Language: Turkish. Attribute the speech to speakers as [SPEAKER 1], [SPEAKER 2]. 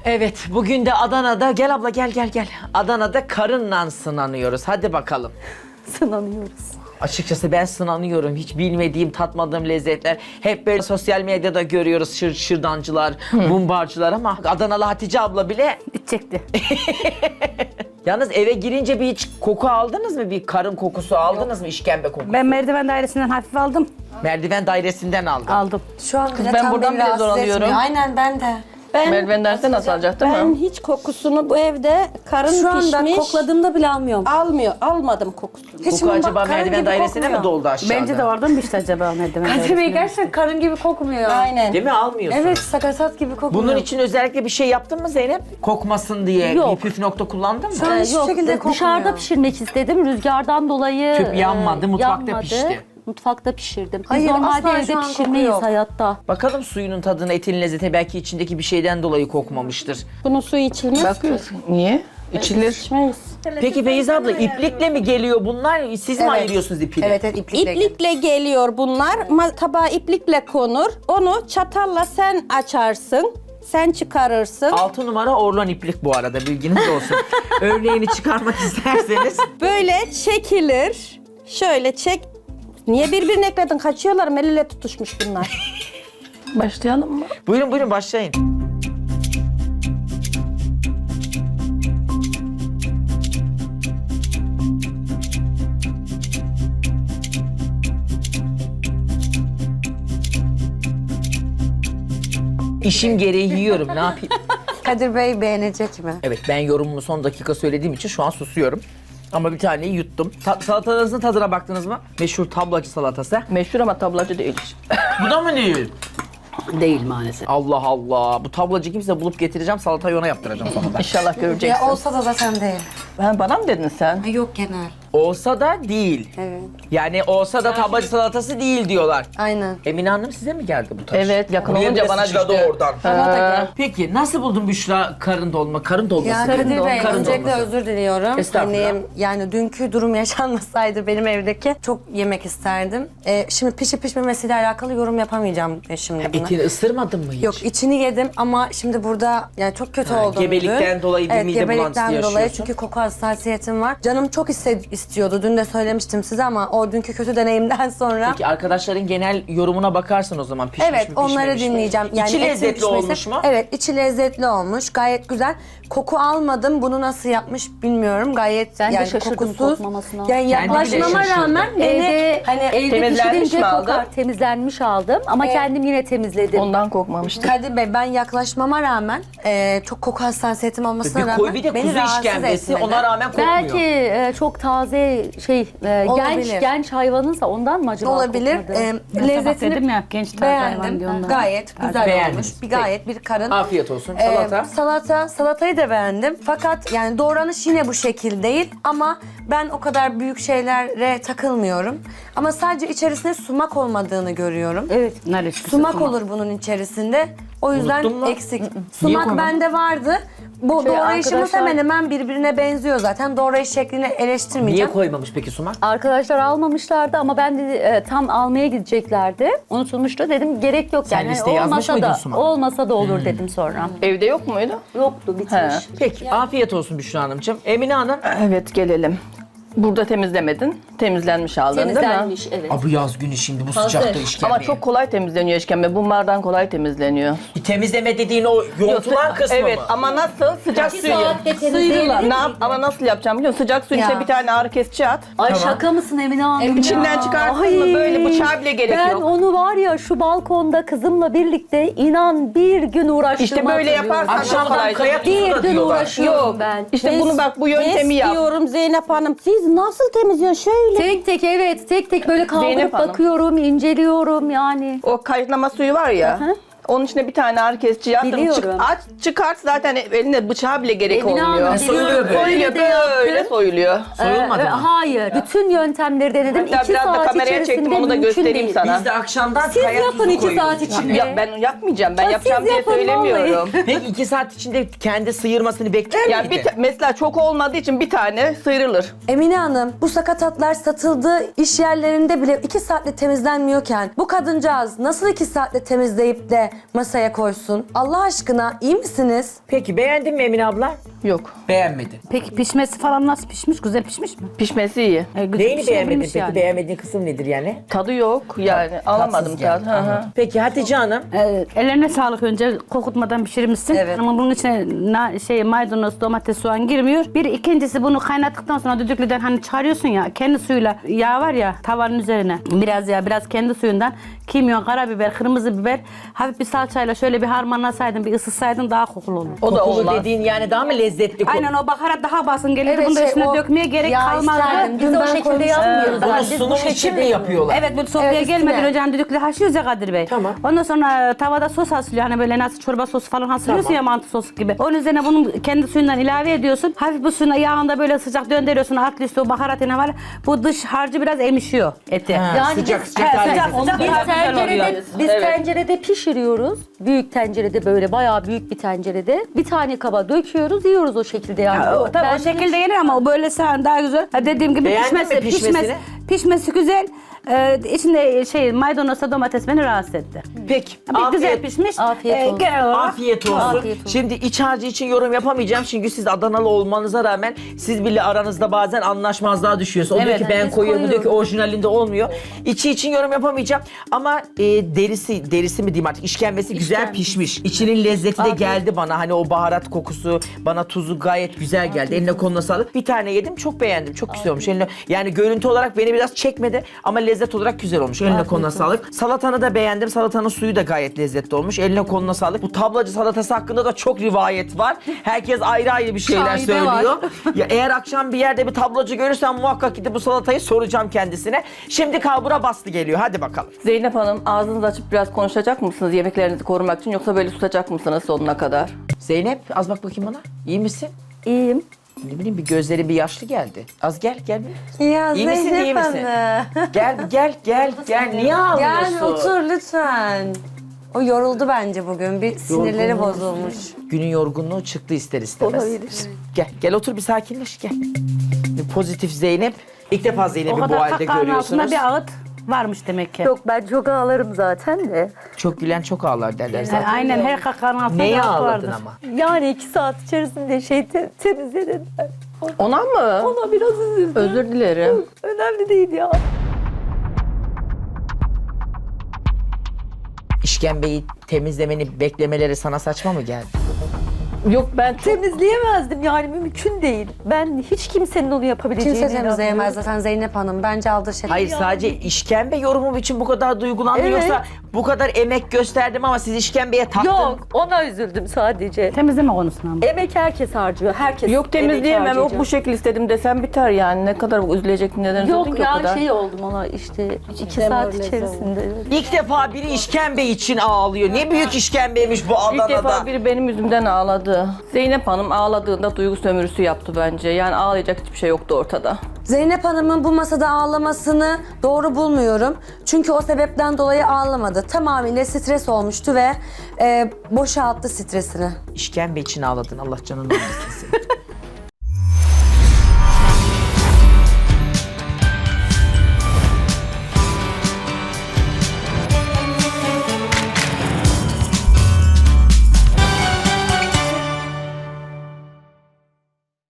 [SPEAKER 1] Evet, bugün de Adana'da, gel abla gel. Adana'da karınla sınanıyoruz. Hadi bakalım.
[SPEAKER 2] Sınanıyoruz.
[SPEAKER 1] Açıkçası ben sınanıyorum. Hiç bilmediğim, tatmadığım lezzetler. Hep böyle sosyal medyada görüyoruz şırdancılar, mumbarcılar ama Adanalı Hatice abla bile...
[SPEAKER 2] Bitecekti.
[SPEAKER 1] Yalnız eve girince bir hiç koku aldınız mı? Bir karın kokusu aldınız mı? İşkembe kokusu.
[SPEAKER 2] Ben merdiven dairesinden hafif aldım.
[SPEAKER 1] Merdiven dairesinden aldım.
[SPEAKER 2] Aldım.
[SPEAKER 3] Şu an bile
[SPEAKER 4] ben
[SPEAKER 3] tam
[SPEAKER 4] buradan
[SPEAKER 3] beni
[SPEAKER 4] bile
[SPEAKER 3] rahatsız
[SPEAKER 4] zor alıyorum.
[SPEAKER 3] etmiyor. Aynen ben de.
[SPEAKER 4] Merdiven derse nasıl alacak değil
[SPEAKER 5] Ben
[SPEAKER 4] mi?
[SPEAKER 5] hiç kokusunu bu evde karın
[SPEAKER 3] Şu anda
[SPEAKER 5] pişmiş.
[SPEAKER 3] kokladığımda bile almıyorum.
[SPEAKER 5] Almadım kokusunu.
[SPEAKER 3] Hiç
[SPEAKER 1] Koku
[SPEAKER 3] bak,
[SPEAKER 1] acaba
[SPEAKER 3] karın
[SPEAKER 1] merdiven
[SPEAKER 3] gibi
[SPEAKER 1] dairesine mi
[SPEAKER 3] kokmuyor.
[SPEAKER 1] doldu aşağıda?
[SPEAKER 2] Bence de oradan mı işte acaba merdiven
[SPEAKER 3] Kadir Bey
[SPEAKER 2] dairesinden?
[SPEAKER 3] gerçekten karın gibi kokmuyor.
[SPEAKER 5] Aynen.
[SPEAKER 1] Değil mi? Almıyorsun.
[SPEAKER 3] Evet sakatat gibi kokmuyor.
[SPEAKER 1] Bunun için özellikle bir şey yaptın mı Zeynep? Kokmasın diye
[SPEAKER 2] Yok.
[SPEAKER 1] bir püf nokta kullandın mı?
[SPEAKER 3] Şu an hiçbir şekilde kokmuyor.
[SPEAKER 2] Dışarıda pişirmek istedim. Rüzgardan dolayı
[SPEAKER 1] Tüp yanmadı, mutfakta
[SPEAKER 2] yanmadı.
[SPEAKER 1] pişti.
[SPEAKER 2] Mutfakta pişirdim. Biz
[SPEAKER 3] Hayır,
[SPEAKER 2] normalde
[SPEAKER 3] asla
[SPEAKER 2] evde
[SPEAKER 3] şu an koku
[SPEAKER 2] pişirmeyiz
[SPEAKER 3] yok.
[SPEAKER 2] hayatta.
[SPEAKER 1] Bakalım suyunun tadına, etin lezzeti belki içindeki bir şeyden dolayı kokmamıştır.
[SPEAKER 5] Bunun suyu içilmez ki.
[SPEAKER 4] Bakıyorsun. Niye? İçilir.
[SPEAKER 5] İçmeyiz.
[SPEAKER 1] Peki Beyza abla iplikle mi geliyor bunlar? Siz mi ayırıyorsunuz ipiyle?
[SPEAKER 3] Evet iplikle.
[SPEAKER 5] İplikle geliyor bunlar. Tabağa iplikle konur. Onu çatalla sen açarsın. Sen çıkarırsın.
[SPEAKER 1] 6 numara Orlan iplik bu arada, bilginiz olsun. Örneğini çıkarmak isterseniz.
[SPEAKER 5] Böyle çekilir. Şöyle çek. Niye birbirine ekledin? Kaçıyorlar. El ele tutuşmuş bunlar.
[SPEAKER 4] Başlayalım mı?
[SPEAKER 1] Buyurun başlayın. İşim gereği yiyorum, ne yapayım?
[SPEAKER 3] Kadir Bey beğenecek mi?
[SPEAKER 1] Evet, ben yorumumu son dakika söylediğim için şu an susuyorum. Ama bir taneyi yuttum. Salatanızın tadına baktınız mı? Meşhur tablacı salatası.
[SPEAKER 4] Meşhur ama tablacı değil.
[SPEAKER 1] Bu da mı değil?
[SPEAKER 2] Değil maalesef.
[SPEAKER 1] Allah Allah. Bu tablacı kimse bulup getireceğim, salatayı ona yaptıracağım sonunda.
[SPEAKER 4] İnşallah göreceksin.
[SPEAKER 3] Ya olsa da zaten değil.
[SPEAKER 4] Ha, bana mı dedin sen?
[SPEAKER 3] Yok genel.
[SPEAKER 1] Olsa da değil.
[SPEAKER 3] Evet.
[SPEAKER 1] Yani olsa da tablacı salatası değil diyorlar.
[SPEAKER 3] Aynen.
[SPEAKER 1] Emine Hanım size mi geldi bu taş?
[SPEAKER 4] Evet, yakın
[SPEAKER 1] Buraya
[SPEAKER 4] olunca
[SPEAKER 1] bile
[SPEAKER 4] bana
[SPEAKER 1] sıçradı
[SPEAKER 4] düştü.
[SPEAKER 1] oradan. Peki nasıl buldun Büşra karın dolma? Karın dolması.
[SPEAKER 3] Ya Kadir Bey
[SPEAKER 1] Karın
[SPEAKER 3] öncelikle
[SPEAKER 1] dolması.
[SPEAKER 3] özür diliyorum.
[SPEAKER 1] Estağfurullah.
[SPEAKER 3] Hani yani dünkü durum yaşanmasaydı benim evdeki çok yemek isterdim. Şimdi pişip pişmemesiyle alakalı yorum yapamayacağım şimdi buna.
[SPEAKER 1] Etini ısırmadın mı hiç?
[SPEAKER 3] Yok içini yedim ama şimdi burada yani çok kötü oldum.
[SPEAKER 1] gebelikten
[SPEAKER 3] dün.
[SPEAKER 1] dolayı bir
[SPEAKER 3] evet,
[SPEAKER 1] mide bulantısı
[SPEAKER 3] gebelikten dolayı
[SPEAKER 1] yaşıyorsun.
[SPEAKER 3] çünkü koku hassasiyetim var. Canım çok istiyordu. Dün de söylemiştim size ama o dünkü kötü deneyimden sonra.
[SPEAKER 1] Peki arkadaşların genel yorumuna bakarsın o zaman. Pişmiş
[SPEAKER 3] Evet
[SPEAKER 1] mi,
[SPEAKER 3] onları
[SPEAKER 1] pişmemiş mi?
[SPEAKER 3] dinleyeceğim.
[SPEAKER 1] İçi
[SPEAKER 3] etin
[SPEAKER 1] lezzetli
[SPEAKER 3] pişmesi-
[SPEAKER 1] olmuş mu?
[SPEAKER 3] Evet içi lezzetli olmuş. Gayet güzel. Koku almadım. Bunu nasıl yapmış bilmiyorum. Gayet
[SPEAKER 2] Ben de
[SPEAKER 3] yani
[SPEAKER 2] şaşırdım
[SPEAKER 3] kokusuz.
[SPEAKER 2] kokmamasına.
[SPEAKER 3] Yani
[SPEAKER 1] Kendi bile
[SPEAKER 3] yaklaşmama
[SPEAKER 1] şaşırdı.
[SPEAKER 3] rağmen beni hani
[SPEAKER 2] Evde
[SPEAKER 4] Temizlenmiş
[SPEAKER 2] pişirince
[SPEAKER 4] mi aldın?
[SPEAKER 2] kokar. Temizlenmiş aldım ama kendim yine temizledim.
[SPEAKER 4] Ondan kokmamıştı.
[SPEAKER 3] Kadir Bey ben yaklaşmama rağmen çok koku hassasiyetim olmasına
[SPEAKER 1] Bir
[SPEAKER 3] rağmen
[SPEAKER 1] koy bir de
[SPEAKER 3] beni
[SPEAKER 1] kuzu
[SPEAKER 3] rahatsız
[SPEAKER 1] işkembesi,
[SPEAKER 3] etmedi.
[SPEAKER 1] ona rağmen kokmuyor.
[SPEAKER 2] Belki çok taze
[SPEAKER 3] Olabilir.
[SPEAKER 2] genç hayvanınsa ondan mı acaba
[SPEAKER 3] Olabilir.
[SPEAKER 2] kokmadı?
[SPEAKER 3] Lezzetini
[SPEAKER 6] dedim ya, genç taze hayvan
[SPEAKER 3] beğendim.
[SPEAKER 6] diyor onlara.
[SPEAKER 3] Gayet güzel
[SPEAKER 1] Beğendiniz.
[SPEAKER 3] olmuş. Gayet bir karın.
[SPEAKER 1] Afiyet olsun. Salata.
[SPEAKER 3] Salatayı da beğendim. Fakat yani doğranış yine bu şekil değil ama ben o kadar büyük şeylere takılmıyorum. Ama sadece içerisinde sumak olmadığını görüyorum.
[SPEAKER 2] Evet.
[SPEAKER 6] Neresi?
[SPEAKER 3] Sumak olur bunun içerisinde. O yüzden
[SPEAKER 1] Unuttun mu?
[SPEAKER 3] eksik.
[SPEAKER 1] Niye
[SPEAKER 3] Sumak
[SPEAKER 1] koymadın?
[SPEAKER 3] bende vardı. Bu doğrayışımız
[SPEAKER 2] arkadaşlar-
[SPEAKER 3] hemen hemen birbirine benziyor zaten. Doğrayış şeklini
[SPEAKER 1] Niye
[SPEAKER 3] eleştirmeyeceğim.
[SPEAKER 1] koymamış peki sumak?
[SPEAKER 2] Arkadaşlar almamışlardı ama ben de tam almaya gideceklerdi. Unutulmuştu. Dedim gerek yok
[SPEAKER 1] Sen
[SPEAKER 2] yani.
[SPEAKER 1] listeye yazmış
[SPEAKER 2] olmasa
[SPEAKER 1] mıydın
[SPEAKER 2] da
[SPEAKER 1] Sumak?
[SPEAKER 2] olmasa da olur dedim sonra.
[SPEAKER 4] Evde yok muydu?
[SPEAKER 2] Yoktu bitmiş.
[SPEAKER 4] He.
[SPEAKER 1] Peki afiyet olsun Büşra Hanımcığım. Emine Hanım.
[SPEAKER 4] Evet, gelelim. Burada temizlemedin. Temizlenmiş aldın değil mi?
[SPEAKER 2] Temizlenmiş evet.
[SPEAKER 1] Bu yaz günü şimdi bu sıcakta işkembe.
[SPEAKER 4] Ama çok kolay temizleniyor işkembe. Bunlardan kolay temizleniyor.
[SPEAKER 1] Temizleme dediğin o yontulan kısmı
[SPEAKER 4] Evet
[SPEAKER 1] mı?
[SPEAKER 4] ama nasıl? Sıcak suyu.
[SPEAKER 2] Sıyrılan.
[SPEAKER 4] Ne yap? Ama nasıl yapacağım biliyor musun? Sıcak suyun
[SPEAKER 3] Ya.
[SPEAKER 4] içine bir tane ağrı kesici at.
[SPEAKER 2] Ay şaka mısın Emine Hanım?
[SPEAKER 4] İçinden çıkarttın mı böyle bıçağa bile gerek
[SPEAKER 2] Ben
[SPEAKER 4] yok.
[SPEAKER 2] onu var ya şu balkonda kızımla birlikte inan bir gün uğraştım.
[SPEAKER 4] İşte böyle yaparsan
[SPEAKER 1] Akşamdan
[SPEAKER 4] kolayca.
[SPEAKER 1] kaya tuzu
[SPEAKER 2] Bir
[SPEAKER 1] da
[SPEAKER 2] gün
[SPEAKER 1] diyorlar.
[SPEAKER 2] uğraşıyorum
[SPEAKER 4] Yok.
[SPEAKER 2] ben.
[SPEAKER 4] İşte bunu bak bu yöntemi yap.
[SPEAKER 5] diyorum Zeynep Hanım. Siz nasıl temizliyorsun? Şöyle.
[SPEAKER 2] Tek tek evet tek tek böyle kaldırıp
[SPEAKER 4] Zeynep Hanım.
[SPEAKER 2] bakıyorum, inceliyorum yani.
[SPEAKER 4] O kaynaklama suyu var ya.
[SPEAKER 2] Hı hı.
[SPEAKER 4] Onun içine bir tane ağrı kesici yaptım.
[SPEAKER 2] Biliyorum.
[SPEAKER 4] Aç çıkart zaten elinde bıçağa bile gerek
[SPEAKER 2] Emine
[SPEAKER 4] olmuyor.
[SPEAKER 2] Hanım,
[SPEAKER 1] soyuluyor böyle.
[SPEAKER 4] Soyuluyor
[SPEAKER 2] Öyle de yaptım.
[SPEAKER 4] böyle soyuluyor.
[SPEAKER 1] Soyulmadı mı?
[SPEAKER 2] Hayır. Bütün yöntemleri denedim.
[SPEAKER 4] Hatta
[SPEAKER 2] 2
[SPEAKER 4] biraz da
[SPEAKER 2] saat
[SPEAKER 4] kameraya
[SPEAKER 2] içerisinde
[SPEAKER 4] çektim, onu da
[SPEAKER 2] mümkün
[SPEAKER 4] göstereyim
[SPEAKER 2] değil.
[SPEAKER 4] sana.
[SPEAKER 1] Biz de akşamdan
[SPEAKER 2] Siz
[SPEAKER 1] kaya
[SPEAKER 2] yapın
[SPEAKER 1] tuzu
[SPEAKER 2] 2 saat
[SPEAKER 1] koyuyoruz.
[SPEAKER 2] içinde.
[SPEAKER 4] Ya ben yapmayacağım. Ben
[SPEAKER 2] Ya
[SPEAKER 4] yapacağım
[SPEAKER 2] siz
[SPEAKER 4] diye
[SPEAKER 2] yapın
[SPEAKER 4] söylemiyorum.
[SPEAKER 1] Peki 2 saat içinde kendi sıyırmasını bekler
[SPEAKER 4] Yani
[SPEAKER 1] miydi?
[SPEAKER 4] mesela çok olmadığı için bir tane sıyrılır.
[SPEAKER 3] Emine Hanım bu sakatatlar satıldığı iş yerlerinde bile 2 saatte temizlenmiyorken bu kadıncağız nasıl 2 saatte temizleyip de masaya koysun. Allah aşkına iyi misiniz?
[SPEAKER 1] Peki beğendin mi Emine abla?
[SPEAKER 4] Yok.
[SPEAKER 1] Beğenmedin.
[SPEAKER 6] Peki pişmesi falan nasıl pişmiş? Güzel pişmiş mi?
[SPEAKER 4] Pişmesi iyi.
[SPEAKER 6] Güzel
[SPEAKER 1] Neyini beğenmedin
[SPEAKER 6] pişirebilmiş
[SPEAKER 1] peki?
[SPEAKER 6] yani.
[SPEAKER 1] Beğenmediğin kısım nedir yani?
[SPEAKER 4] Tadı yok yani. Alamadım
[SPEAKER 1] Tatsız geldi.
[SPEAKER 4] tat. Hı hı.
[SPEAKER 1] Peki Hatice Hanım.
[SPEAKER 6] Ellerine sağlık önce kokutmadan pişirmişsin.
[SPEAKER 3] Evet.
[SPEAKER 6] Ama bunun içine maydanoz, domates, soğan girmiyor. Bir ikincisi bunu kaynattıktan sonra düdüklüden hani çıkarıyorsun ya kendi suyuyla yağ var ya tavanın üzerine. Biraz yağ, biraz kendi suyundan kimyon, karabiber, kırmızı biber, hafif bir salçayla şöyle bir harmanlasaydın, bir ısıtsaydın daha kokulu olur.
[SPEAKER 4] O da
[SPEAKER 1] Kokulu
[SPEAKER 4] olmaz.
[SPEAKER 1] dediğin yani daha mı lezzetli?
[SPEAKER 6] Aynen o baharat daha basın gelirdi.
[SPEAKER 3] Evet,
[SPEAKER 6] Bunu da
[SPEAKER 3] şey,
[SPEAKER 6] üstüne
[SPEAKER 3] o
[SPEAKER 6] dökmeye gerek
[SPEAKER 3] yağ
[SPEAKER 6] kalmazdı.
[SPEAKER 3] isterdim.
[SPEAKER 2] Biz
[SPEAKER 3] Dün
[SPEAKER 2] o
[SPEAKER 3] ben
[SPEAKER 2] şekilde
[SPEAKER 3] koymuştum.
[SPEAKER 2] yapmıyoruz.
[SPEAKER 1] Bunu
[SPEAKER 2] Yani biz bu
[SPEAKER 1] sunum için
[SPEAKER 2] şekilde
[SPEAKER 1] mi yapıyorlar?
[SPEAKER 6] Evet bu sofraya
[SPEAKER 3] Evet,
[SPEAKER 6] gelmeden
[SPEAKER 3] üstüne.
[SPEAKER 6] önce hani düdüklü haşlıyoruz ya Kadir Bey.
[SPEAKER 1] Tamam.
[SPEAKER 6] Ondan sonra tavada sos haşlıyor. Hani böyle nasıl çorba sosu falan haşlıyorsun
[SPEAKER 1] Tamam.
[SPEAKER 6] ya mantı sosu gibi. Onun üzerine bunun kendi suyundan ilave ediyorsun. Hafif bu suyuna yağında böyle sıcak döndürüyorsun. Altlı üstü o baharatına var. Bu dış harcı biraz emişiyor eti.
[SPEAKER 1] Ha,
[SPEAKER 2] Yani
[SPEAKER 1] sıcak
[SPEAKER 2] biz-
[SPEAKER 1] sıcak daha
[SPEAKER 6] sıcak,
[SPEAKER 1] lezzetli.
[SPEAKER 6] sıcak.
[SPEAKER 2] Biz
[SPEAKER 6] Daha güzel
[SPEAKER 2] tencerede,
[SPEAKER 6] oluyor.
[SPEAKER 2] biz
[SPEAKER 4] Evet.
[SPEAKER 2] tencerede pişiriyoruz. Büyük tencerede böyle bayağı büyük bir tencerede. Bir tane kaba döküyoruz, yiyoruz o şekilde yani.
[SPEAKER 6] Tabii o
[SPEAKER 2] Ben-
[SPEAKER 6] şekilde yenir ama o böyle sağın daha güzel. Ha, dediğim gibi
[SPEAKER 1] Beğendin mi pişmesini?
[SPEAKER 6] pişmesi güzel. İçinde maydanozla domates beni rahatsız etti.
[SPEAKER 1] Peki.
[SPEAKER 6] Bir güzel pişmiş.
[SPEAKER 2] Afiyet olsun.
[SPEAKER 6] Genel olarak
[SPEAKER 1] Afiyet olsun.
[SPEAKER 2] Afiyet olsun.
[SPEAKER 1] Şimdi iç harcı için yorum yapamayacağım çünkü siz Adanalı olmanıza rağmen siz bile aranızda bazen anlaşmazlığa düşüyorsunuz. O diyor ki ben
[SPEAKER 2] biz
[SPEAKER 1] koyuyorum, bu diyor ki
[SPEAKER 2] koyuyoruz.
[SPEAKER 1] orijinalinde olmuyor. İçi için yorum yapamayacağım ama derisi mi diyeyim artık işkembesi güzel pişmiş. İçinin lezzeti de geldi bana. Hani o baharat kokusu, bana tuzu gayet güzel geldi. Eline koluna sağlık. Bir tane yedim çok beğendim. Çok güzel olmuş. Yani görüntü olarak beni biraz çekmedi ama lezzet olarak güzel olmuş. Eline koluna sağlık. Salatanı da beğendim. Salatanın suyu da gayet lezzetli olmuş. Eline koluna sağlık. Bu tablacı salatası hakkında da çok rivayet var. Herkes ayrı ayrı bir şeyler
[SPEAKER 2] Şaibe
[SPEAKER 1] söylüyor. Ya eğer akşam bir yerde bir tablacı görürsem muhakkak gidip bu salatayı soracağım kendisine. Şimdi kalbura bastı geliyor. Hadi bakalım.
[SPEAKER 4] Zeynep Hanım ağzınızı açıp biraz konuşacak mısınız yemeklerinizi korumak için yoksa böyle susacak mısınız sonuna kadar?
[SPEAKER 1] Zeynep az bak bakayım bana. İyi misin?
[SPEAKER 2] İyiyim.
[SPEAKER 1] Ne bileyim bir gözleri bir yaşlı geldi. Az gel bir.
[SPEAKER 3] Ya
[SPEAKER 1] İyi misin, iyi
[SPEAKER 3] Zeynep
[SPEAKER 1] misin?
[SPEAKER 3] Hanım.
[SPEAKER 1] Gel. Niye ağlıyorsun?
[SPEAKER 3] Gel otur lütfen. O yoruldu bence bugün. Bir sinirleri
[SPEAKER 1] Yorgunluğu-
[SPEAKER 3] bozulmuş.
[SPEAKER 1] Günün yorgunluğu çıktı ister istemez. Gel otur bir sakinleş gel. Bir pozitif Zeynep. İlk defa
[SPEAKER 6] o
[SPEAKER 1] Zeynep'i bu
[SPEAKER 6] kadar
[SPEAKER 1] halde
[SPEAKER 6] kahkahanın altında
[SPEAKER 1] görüyorsunuz.
[SPEAKER 6] bir ağıt varmış demek ki.
[SPEAKER 2] Yok ben çok ağlarım zaten de.
[SPEAKER 1] Çok gülen çok ağlar derler zaten.
[SPEAKER 6] Aynen her kahkahanın altında
[SPEAKER 1] Neye
[SPEAKER 6] bir ağıt
[SPEAKER 1] ağladın
[SPEAKER 6] vardır.
[SPEAKER 1] ama?
[SPEAKER 2] Yani 2 saat içerisinde temizlediler.
[SPEAKER 4] Ona mı?
[SPEAKER 2] Ona biraz üzüldüm.
[SPEAKER 4] Özür dilerim.
[SPEAKER 2] Önemli değil ya.
[SPEAKER 1] İşkembeyi temizlemeni beklemeleri sana saçma mı geldi?
[SPEAKER 4] Yok ben çok...
[SPEAKER 2] Temizleyemezdim yani mümkün değil. Ben hiç kimsenin onu yapabileceğine
[SPEAKER 3] Kimse temizleyemez
[SPEAKER 2] inanmıyorum.
[SPEAKER 3] zaten Zeynep Hanım. Bence aldır şeker.
[SPEAKER 1] Hayır sadece işkembe yorumum için bu kadar duygulandın
[SPEAKER 2] Evet.
[SPEAKER 1] yoksa bu kadar emek gösterdim ama siz işkembeye taktın.
[SPEAKER 2] Yok ona üzüldüm sadece.
[SPEAKER 6] Temizleme konusuna ama.
[SPEAKER 2] Emek herkes harcıyor. Herkes
[SPEAKER 4] Yok temizleyemem.
[SPEAKER 2] emek
[SPEAKER 4] Yok
[SPEAKER 2] harcayacak.
[SPEAKER 4] bu şekil istedim desem biter yani. Ne kadar üzülecek neden üzüldün
[SPEAKER 2] Yok
[SPEAKER 4] ki o
[SPEAKER 2] ya
[SPEAKER 4] kadar?
[SPEAKER 2] şey oldum ona işte 2 saat içerisinde.
[SPEAKER 1] İlk defa biri işkembe için ağlıyor. Ne büyük işkembeymiş bu
[SPEAKER 4] İlk
[SPEAKER 1] Adana'da.
[SPEAKER 4] defa biri benim yüzümden ağladı. Zeynep Hanım ağladığında duygu sömürüsü yaptı bence. Yani ağlayacak hiçbir şey yoktu ortada.
[SPEAKER 3] Zeynep Hanım'ın bu masada ağlamasını doğru bulmuyorum. Çünkü o sebepten dolayı ağlamadı. Tamamıyla stres olmuştu ve boşalttı stresini.
[SPEAKER 1] İşkembe için ağladın Allah canını almasın seni.